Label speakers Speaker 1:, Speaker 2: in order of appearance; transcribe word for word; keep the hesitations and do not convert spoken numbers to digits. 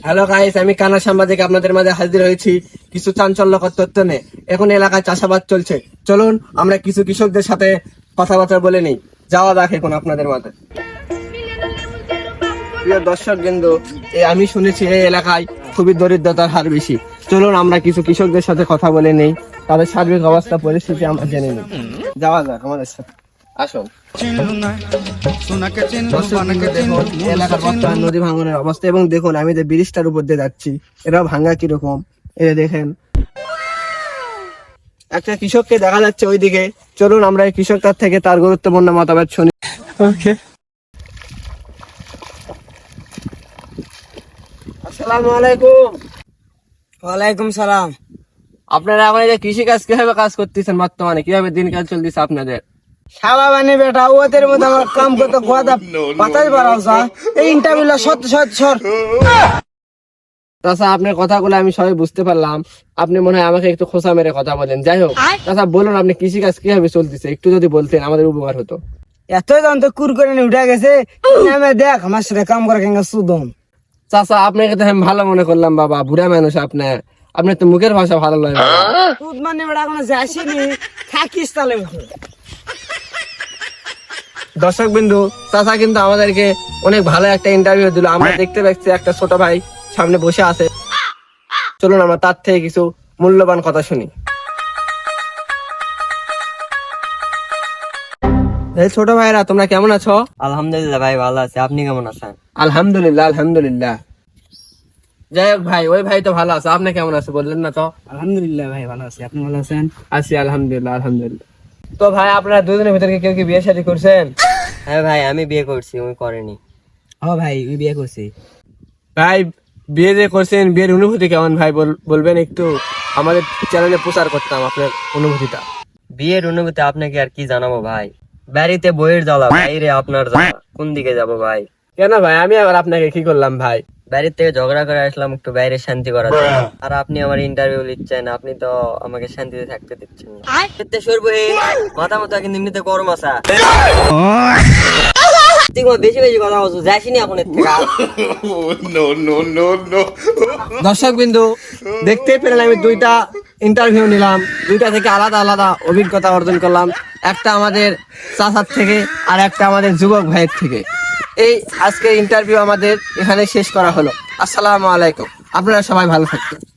Speaker 1: Hello guys, আমি কানা সাংবাদিক আপনাদের মাঝে হাজির হয়েছি কিছু চাঞ্চল্যকর তথ্য নিয়ে। এখন এলাকায় চাষাবাদ চলছে, চলুন আমরা কিছু কৃষকদের সাথে কথাবার্তা বলে নিই। যাওয়া যাক এখন আপনাদের মাঝে। প্রিয় দর্শক বিন্দু, আমি শুনেছি এই এলাকায় খুবই দরিদ্রতার হার বেশি। চলুন আমরা কিছু কৃষকদের সাথে কথা বলে নেই, তাদের সার্বিক অবস্থা পরিস্থিতি আমরা জেনে নিই। যাওয়া যাক আমাদের সাথে, আসুন। এলাকার বর্তমান নদী ভাঙনের অবস্থা এবং দেখুন আমি যে ব্রিজটার উপর দিয়ে যাচ্ছি, এটা ভাঙা কিরকম এটা দেখেন। একটা কৃষককে দেখা যাচ্ছে ওইদিকে, চলুন আমরা এই কৃষকটার থেকে তার গুরুত্বপূর্ণ মতামত শুনি। ওকে, আসসালামু আলাইকুম।
Speaker 2: ওয়ালাইকুম সালাম।
Speaker 1: আপনারা এখন এই যে কৃষি কাজ কিভাবে কাজ করতেছেন, বর্তমানে কিভাবে দিনকাল চলতেছে আপনাদের?
Speaker 2: শালা বানি বেটা ওদের মধ্যে আমার কাম করতে কথা পাতাই পারাও যা এই ইন্টারভিউ সত সত সর।
Speaker 1: তাছাড়া আপনার কথাগুলো আমি সবাই বুঝতে পারলাম, আপনি মনে হয় আমাকে একটু খোঁচা মেরে কথা বলেন। যাই হোক, তাছাড়া বলুন আপনি কৃষি কাজ কিভাবে চলতেছে, একটু যদি বলতেন আমাদের উপকার হতো।
Speaker 2: এতই দাম তো কুর করে নিয়ে উঠে গেছে, নামে দেখ আমার সাথে কাম করে কেন সুদম।
Speaker 1: চাচা আপনাকে তো আমি ভালো মনে করলাম, বাবা বুড়া মানুষ আপনি, আপনার তো মুখের ভাষা ভালো লাগে।
Speaker 2: সুদ মানে বেটা কোনো যাসিনি, থাকিস তাহলে।
Speaker 1: দর্শক বিন্দু, চাচা কিন্তু আমাদেরকে অনেক ভালো একটা ইন্টারভিউ দিল। আমরা দেখতে পাচ্ছি একটা ছোট ভাই সামনে বসে আছে, চলুন আমরা তার থেকে কিছু মূল্যবান কথা শুনি। এই ছোট ভাইরা, তোমরা কেমন আছো?
Speaker 2: আলহামদুলিল্লাহ ভাই ভালো আছে, আপনি কেমন আছেন?
Speaker 1: আলহামদুলিল্লাহ আলহামদুলিল্লাহ। যাই হোক ভাই, ওই ভাই তো ভালো আছে, আপনি কেমন আছে বললেন না তো?
Speaker 2: আলহামদুলিল্লাহ ভাই ভালো আছে, আপনি ভালো আছেন?
Speaker 1: আছি আলহামদুলিল্লাহ আলহামদুলিল্লাহ। তো ভাই আপনারা দুজনের ভিতরে কেউ কি বিয়ে শাদী করছেন?
Speaker 2: হ্যাঁ ভাই আমি বিয়ে করছি, ওই করেনি। হ্যাঁ ভাই আমি বিয়ে করছি।
Speaker 1: ভাই বিয়ে যে করছেন, বিয়ের অনুভূতি কেমন ভাই বলবেন একটু? আমাদের চ্যানেলে প্রচার করতাম আপনার অনুভূতিটা।
Speaker 2: বিয়ের অনুভূতি আপনাকে আর কি জানাবো ভাই, বাড়িতে বইয়ের জ্বালা, বাইরে আপনার জ্বালা, কোন দিকে যাব ভাই?
Speaker 1: কেন ভাই, আমি আবার আপনাকে কি করলাম ভাই?
Speaker 2: বাড়ির থেকে ঝগড়া করে আসলাম একটু বাইরে শান্তি করার জন্য, আর আপনি আমার ইন্টারভিউ নিচ্ছেন, আপনি তো আমাকে শান্তিতে থাকতে দিচ্ছেন না। এতে সরবো হে মাথা মাথা কিন্তু এমনিতে গরম আসা, বেশি বেশি কথা বলছো, যাইসিনি এখন এর থেকে।
Speaker 1: দর্শক বিন্দু, দেখতেই পেলেন আমি দুইটা ইন্টারভিউ নিলাম, দুইটা থেকে আলাদা আলাদা অভিজ্ঞতা অর্জন করলাম। একটা আমাদের চাচার থেকে আর একটা আমাদের যুবক ভাইয়ের থেকে। এই আজকের ইন্টারভিউ আমাদের এখানে শেষ করা হলো। আসসালামু আলাইকুম, আপনারা সবাই ভালো থাকবেন।